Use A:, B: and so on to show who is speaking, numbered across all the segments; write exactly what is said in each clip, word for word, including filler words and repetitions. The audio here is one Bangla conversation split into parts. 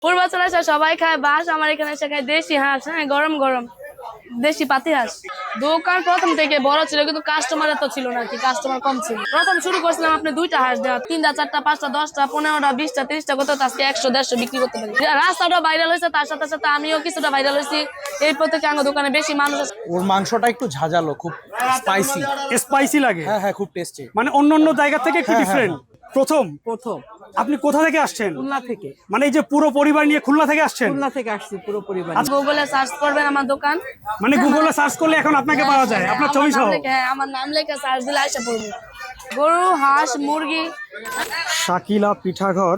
A: পূর্বাচল আসা সবাই খায় বাস, আমার এখানে এসে খায় দেশি হাঁস। হ্যাঁ, গরম গরম দেশি পাতি হাঁস। দোকান প্রথম থেকে বড় ছিল, কিন্তু কাস্টমার এত ছিল না, কি কাস্টমার কম ছিল। প্রথম শুরু করছিলাম আপনি দুইটা হাঁস দেওয়া, তিনটা চারটা পাঁচটা দশটা পনেরোটা বিশটা তিরিশটা কত, আজকে একশো দেড়শো বিক্রি করতে পারি। রাস্তাটা ভাইরাল হয়েছে, তার সাথে সাথে আমিও কিছুটা ভাইরাল হয়েছি। এরপর থেকে আমার দোকানে বেশি মানুষ আছে।
B: ওর মাংসটা একটু ঝাঁঝালো, খুব স্পাইসি।
C: স্পাইসি লাগে,
B: হ্যাঁ হ্যাঁ, খুব টেস্টি।
C: মানে অন্য অন্য জায়গা থেকে একটু
B: হ্যাঁ,
C: ডিফারেন্ট। প্রথম
D: প্রথম
C: আপনি কোথা থেকে আসছেন?
D: খুলনা থেকে
C: মানে এই যে পুরো পরিবার নিয়ে খুলনা থেকে আসছেন?
D: খুলনা থেকে আসছি পুরো পরিবার।
A: গুগলে সার্চ করবেন আমার দোকান,
C: মানে গুগলে সার্চ করলে এখন আপনাকে পাওয়া যায়, আপনার ছবি সহ?
A: হ্যাঁ, আমার নাম লেখা সার্চ দিলে আসা পড়বে। গরু, হাঁস, মুরগি।
C: শাকিলা পিঠাঘর।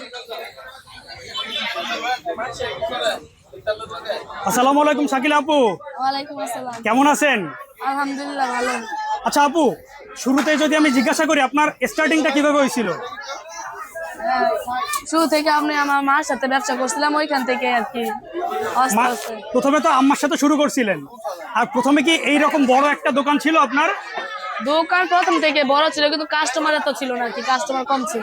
C: আসসালামু আলাইকুম শাকিলা আপু,
A: ওয়ালাইকুম আসসালাম।
C: কেমন আছেন?
A: আলহামদুলিল্লাহ ভালো।
C: আচ্ছা আপু, শুরুতে যদি আমি জিজ্ঞাসা করি আপনার স্টার্টিংটা কিভাবে হয়েছিল?
A: হ্যাঁ, শুরু থেকে আপনি আমার মার সাথে ব্যবসা করছিলাম, ওইখান থেকে আর কি আস্তে
C: মা-
A: আস্তে।
C: প্রথমে তো আম্মার সাথে শুরু করছিলেন, আর প্রথমে কি এইরকম বড় একটা দোকান ছিল আপনার?
A: দোকান প্রথম থেকে বড় ছিল, কিন্তু কাস্টমার এত ছিল না, কি কাস্টমার কম ছিল।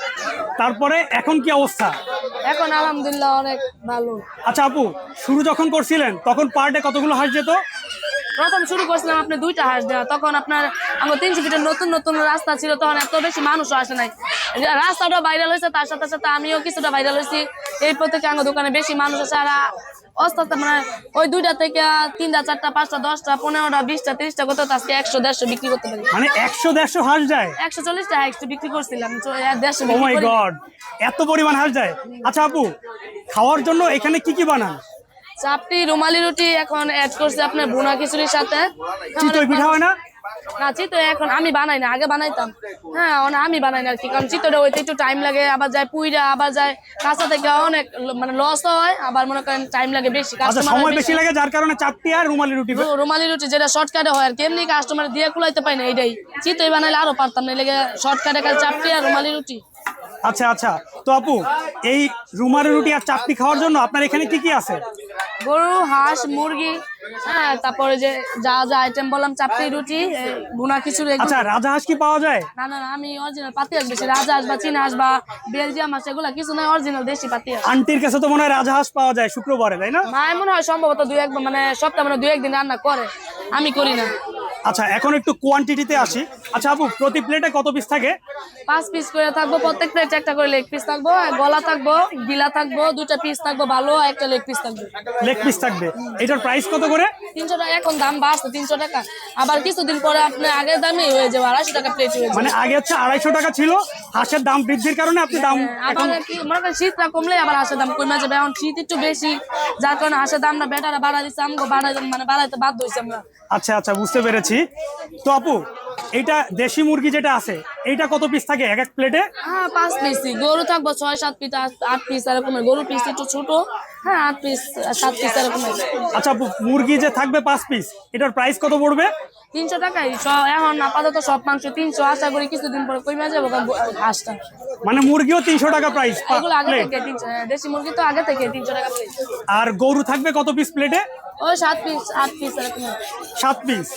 C: তারপরে এখন কি অবস্থা?
A: এখন আলহামদুলিল্লাহ অনেক ভালো।
C: আচ্ছা আপু, শুরু যখন করছিলেন তখন পার ডে কতগুলো হাঁস যেত?
A: প্রথম শুরু করছিলাম আপনি দুইটা হাঁস দেওয়া, তখন আপনার আমার তিনশো ফিটের নতুন নতুন রাস্তা ছিল, তখন এত বেশি মানুষও আসে নাই। রাস্তাটা ভাইরাল হয়েছে, তার সাথে সাথে আমিও কিছুটা ভাইরাল হয়েছি। এরপর থেকে আমার দোকানে বেশি মানুষ আছে। আর আস্তে আস্তে মানে ওই দুইটা থেকে তিনটা চারটা পাঁচটা দশটা পনেরোটা বিশটা তিরিশটা কত, আজকে একশো দেড়শো বিক্রি করতে পারি।
C: মানে একশো দেড়শো হাঁস যায়?
A: একশো চল্লিশটা হাঁস বিক্রি করছিলাম, দেড়শো
C: ও
A: বিক্রি
C: মাই
A: করি।
C: গড, এত পরিমাণ হাঁস যায়। আচ্ছা আপু, খাওয়ার জন্য এখানে কি কি বানান?
A: চাপটি, রুমালি রুটি এখন অ্যাড করছে আপনার ভুনা খিচুড়ির সাথে।
C: চিতই পিঠা হয় না?
A: না, চিতই এখন আমি বানাই না, আগে বানাইতাম। হ্যাঁ, অনেক আমি বানাই না আর কি, কারণ চিতইটা হইতে একটু টাইম লাগে, আবার যায় পুইরা, আবার যায় কাঁচা থেকে অনেক মানে লস হয়, আবার মনে করেন টাইম লাগে বেশি।
C: আচ্ছা,
A: কাস্টমার
C: সময় বেশি লাগে, যার কারণে চাপটি আর রুমালি রুটি।
A: রুমালি রুটি যেটা শর্টকাটে হয় আর কি, এমনি কাস্টমার দিয়ে কুলাইতে পাই না, এইটাই। চিতই বানাইলে আরো পারতাম না, লেগে শর্টকাটে কাল চাপটি আর রুমালি রুটি।
C: আচ্ছা আচ্ছা, তো আপু এই রুমালি রুটি আর চাপটি খাওয়ার জন্য আপনার এখানে কি কি আছে?
A: গরু, হাঁস, মুরগি, হ্যাঁ, তারপরে যে যা যা আইটেম বললাম, চাপটি, রুটি, ভুনা খিচুড়ি।
C: আচ্ছা, রাজা হাঁস কি পাওয়া যায়?
A: না না না, আমি অরিজিনাল পাতি হাঁস বেশি, রাজা হাঁস বা চীনা হাঁস বা বেলজিয়াম হাঁস এগুলা কিছু নয়, অরিজিনাল দেশি পাতি হাঁস।
C: আন্টির কাছে তো মনে হয় রাজা হাঁস পাওয়া যায় শুক্রবারে, তাই না?
A: মায়ের মনে হয় সম্ভবত দুই একবার মানে সপ্তাহে মানে দুই একদিন রান্না করে, আমি করি না।
C: আচ্ছা, এখন একটু কোয়ান্টিটিতে আসি। আচ্ছা আপু, প্রতি প্লেটে কত পিস থাকে?
A: পাঁচ পিস করে থাকবো, প্রত্যেক প্লেট একটা করে লেগ পিস থাকবো, গলা থাকবো, গিলা থাকবো, দুটা পিস থাকবো ভালো, একটা লেগ পিস থাকবে।
C: লেগ পিস থাকবে। এটার প্রাইস কত করে?
A: তিনশো টাকা। এখন দাম বাড়ছে, তিনশো টাকা। আবার কিছুদিন পরে আপনার আগের দামই হয়ে যাবে, আড়াইশো টাকা প্লেট হয়ে যাবে।
C: মানে আগে হচ্ছে আড়াইশো টাকা ছিল, হাঁসের দাম বৃদ্ধির কারণে আপনি দাম এখন।
A: আবার কি মনে করেন শীতটা কমলে আবার হাঁসের দাম কমে যাবে, এখন শীত একটু বেশি, যার কারণে হাঁসের দামটা বেটারা বাড়া দিচ্ছে, আমাকে বাড়াই মানে বাড়াইতে বাধ্য হয়েছে আমরা।
C: আচ্ছা আচ্ছা, বুঝতে পেরেছি। তো আপু, এইটা দেশি মুরগি যেটা আছে, এইটা কত পিস থাকে এক এক প্লেটে?
A: হ্যাঁ, পাঁচ পিস। গরু থাকবো ছয় সাত পিস, আট পিস এরকম। গরু পিস একটু ছোট, হ্যাঁ, আট পিস সাত পিস এরকম।
C: আচ্ছা আপু, মুরগি যে থাকবে পাঁচ পিস, এটার প্রাইস কত পড়বে?
A: তিনশো টাকাই। এখন আপাতত সব মাংস তিনশো, আশা করি কিছুদিন পরে কমে যাবো হাঁসটা।
C: মানে মুরগিও তিনশো টাকা প্রাইস
A: এগুলো আগে
C: প্লেট?
A: থেকে তিনশো, দেশি মুরগি তো আগে থেকে তিনশো টাকা প্লেট।
C: আর গরু থাকবে কত পিস প্লেটে?
A: ওই সাত পিস আট পিস এরকম।
C: সাত পিস।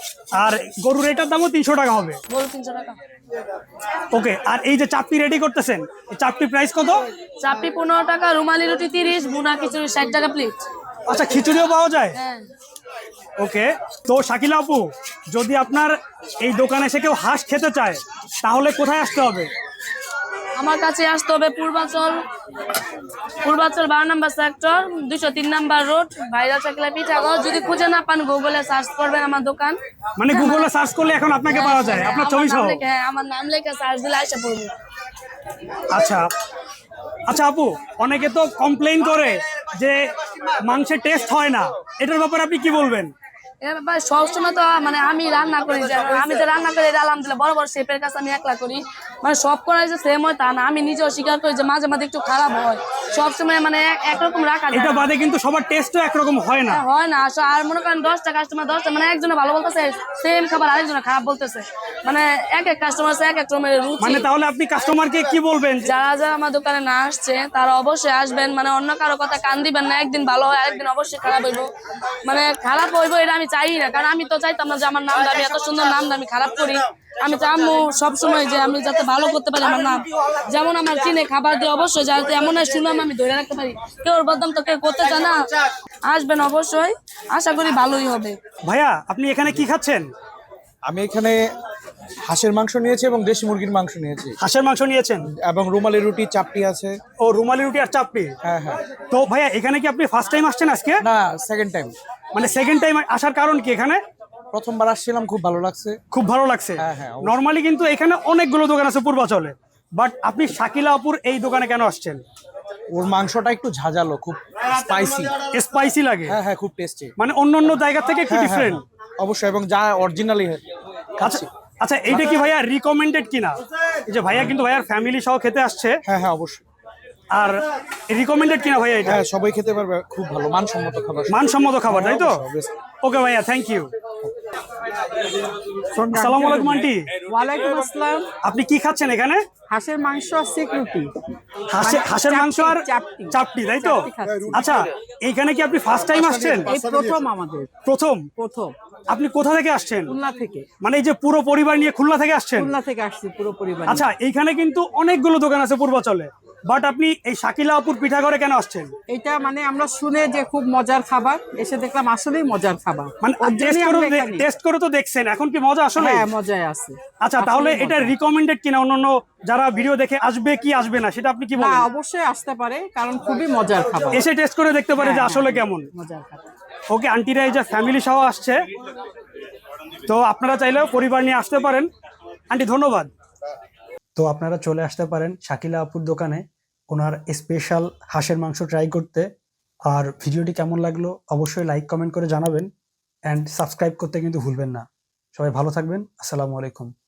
C: আর গরুর এটার দামও তিনশো টাকা হবে?
A: গরু তিনশো টাকা।
C: ওকে, আর এই যে চাপটি রেডি করতেছেন, এই চাপটির প্রাইস কত?
A: চাপটি পনেরো টাকা, রুমালি রুটি তিরিশ, ভুনা খিচুড়ি ষাট টাকা প্লেট।
C: আচ্ছা, খিচুড়িও পাওয়া যায়?
A: হ্যাঁ।
C: ওকে, তো শাকিলা আপু, যদি আপনার এই দোকানে এসে কেউ হাঁস খেতে চায়, তাহলে কোথায় আসতে হবে?
A: আমার কাছে আসতে হবে পূর্বাচল, পূর্বাচল বারো নম্বর সেক্টর, দুইশো তিন নাম্বার রোড, ভাইরাল শাকিলা পিঠাঘর। যদি খুঁজে না পান গুগলে সার্চ করবেন আমার দোকান।
C: মানে গুগলে সার্চ করলে এখন আপনাকে পাওয়া যায়, আপনার ছবি সহ?
A: হ্যাঁ, আমার নাম লেখা সার্চ দিলে আসা পড়বে।
C: আচ্ছা আচ্ছা আপু, অনেকে তো কমপ্লেইন করে যে মাংসের টেস্ট হয় না, এটার ব্যাপারে আপনি কি বলবেন?
A: এবার সবসময় তো মানে আমি রান্না করি, আমি তো রান্না করি এটা আলহামদুলিল্লাহ বড় বড় শেফের কাছে আমি একলা করি, মানে সব করাই যে সেম হয় তা না। আমি নিজেও স্বীকার করি যে মাঝে মাঝে একটু খারাপ হয়, সবসময় মানে একরকম রাখা যায়
C: এটা
A: না।
C: বাদে কিন্তু সবার টেস্টও একরকম হয় না।
A: হয় না আসলে। আর মনে করেন দশটা কাস্টমার, দশটা মানে একজনে ভালো বলতেছে সেম খাবার আরেকজনে খারাপ বলতেছে, মানে এক এক কাস্টমার আছে এক এক রকমের রুচি।
C: মানে তাহলে আপনি কাস্টমারকে কি বলবেন?
A: যারা যারা আমার দোকানে না আসছে তারা অবশ্যই আসবেন, মানে অন্য কারো কথা কান দিবেন না। একদিন ভালো হয়, আরেকদিন অবশ্যই খারাপ হইব, মানে খারাপ হইব এটা আমি চাই না, কারণ আমি তো চাইতাম না যে আমার নামটা, আমি এত সুন্দর নামটা আমি খারাপ করি। আমি চাইমু সবসময় যে আমি যাতে ভালো করতে পারি আমার নাম, যেমন আমার চিনে খাবার দিয়ে অবশ্যই যাতে এমন এক সুনাম আমি ধরে রাখতে পারি। কেউ ওর বদনাম তো কেউ করতে চায় না। আসবেন অবশ্যই, আশা করি ভালোই হবে।
C: ভাইয়া আপনি এখানে কি খাচ্ছেন?
B: আমি এখানে হাঁসের মাংস নিয়েছি এবং দেশি মুরগির মাংস নিয়েছি
C: হাঁসের মাংস নিয়েছেন
B: এবং রুমালি রুটি, চাপটি আছে।
C: ও রুমালি রুটি আর চাপটি।
B: হ্যাঁ হ্যাঁ।
C: তো ভাইয়া এখানে কি আপনি ফার্স্ট টাইম আসছেন আজকে?
B: না, সেকেন্ড টাইম।
C: মানে সেকেন্ড টাইম আসার কারণ কি? এখানে
B: প্রথমবার আসছিলাম, খুব ভালো লাগছে।
C: খুব ভালো লাগছে।
B: হ্যাঁ, হ্যাঁ, অবশ্যই।
C: নর্মালি কিন্তু এখানে অনেকগুলো দোকান আছে পূর্বাচলে, বাট আপনি শাকিলা আপুর এই দোকানে কেন আসছেন?
B: ওর মাংসটা একটু ঝাঁঝালো, খুব স্পাইসি।
C: স্পাইসি লাগে?
B: হ্যাঁ হ্যাঁ, খুব টেস্টি।
C: মানে অন্য অন্য জায়গা থেকে একটু ডিফারেন্ট।
B: অবশ্যই, এবং যা অরিজিনালি
C: আচ্ছা আচ্ছা, এইটা কি ভাইয়া রিকমেন্ডেড কিনা? এই যে ভাইয়া কিন্তু ভাইয়ার ফ্যামিলি সহ খেতে আসছে,
B: হ্যাঁ হ্যাঁ অবশ্যই।
C: আর রিকমেন্ডেড কিনা ভাইয়া এটা?
B: হ্যাঁ, সবাই খেতে পারবে, খুব ভালো মানসম্মত খাবার।
C: মানসম্মত খাবার, তাই তো?
B: অবশ্যই।
C: ওকে ভাইয়া, থ্যাংক ইউ। আসসালামু আলাইকুম আন্টি।
D: ওয়ালাইকুম আসসালাম।
C: আপনি কি খাচ্ছেন এখানে?
D: হাঁসের মাংস আর সিকিউরিটি।
C: হাঁসের হাঁসের মাংস আর
D: চাপটি।
C: চাপটি, তাই তো?
D: চাপটি খাচ্ছি।
C: আচ্ছা, এইখানে কি আপনি ফার্স্ট টাইম আসছেন?
D: এই প্রথম আমাদের,
C: প্রথম?
D: প্রথম
C: আপনি কোথা থেকে আসছেন?
D: খুলনা থেকে।
C: মানে এই যে পুরো পরিবার নিয়ে খুলনা থেকে আসছেন?
D: খুলনা থেকে আসছি পুরো পরিবার।
C: আচ্ছা, এইখানে কিন্তু অনেকগুলো দোকান আছে পূর্বাচলে, বাট আপনি এই শাকিলা আপুর পিঠাঘরে কেন আসছেন?
D: এটা মানে আমরা শুনে যে খুব মজার খাবার, এসে দেখলাম আসলেই মজার খাবার।
C: মানে
D: ওর
C: টেস্ট
D: জন্যই
C: করে
D: আমরা এখানে।
C: টেস্ট করে তো দেখছেন, এখন কি মজা আসলে?
D: হ্যাঁ, মজায় আছে।
C: আচ্ছা, তাহলে
D: আসলেই
C: এটা
D: মজা।
C: রিকমেন্ডেড কিনা? অন্যান্য যারা ভিডিও দেখে আসবে কি আসবে না সেটা আপনি কি
D: না,
C: বলেন?
D: অবশ্যই আসতে পারে, কারণ খুবই মজার খাবার।
C: এসে টেস্ট করে দেখতে পারে যে
D: হ্যাঁ,
C: আসলে
D: হ্যাঁ,
C: কেমন।
D: মজার খাবার।
C: ওকে, আন্টিরা এই যে ফ্যামিলি সহ আসছে, তো আপনারা চাইলেও পরিবার নিয়ে আসতে পারেন। আন্টি ধন্যবাদ। তো আপনারা চলে আসতে পারেন শাকিলা আপুর দোকানে ওনার স্পেশাল হাঁসের মাংস ট্রাই করতে। আর ভিডিওটি কেমন লাগলো অবশ্যই লাইক কমেন্ট করে জানাবেন, অ্যান্ড সাবস্ক্রাইব করতে কিন্তু ভুলবেন না। সবাই ভালো থাকবেন। আসসালামু আলাইকুম।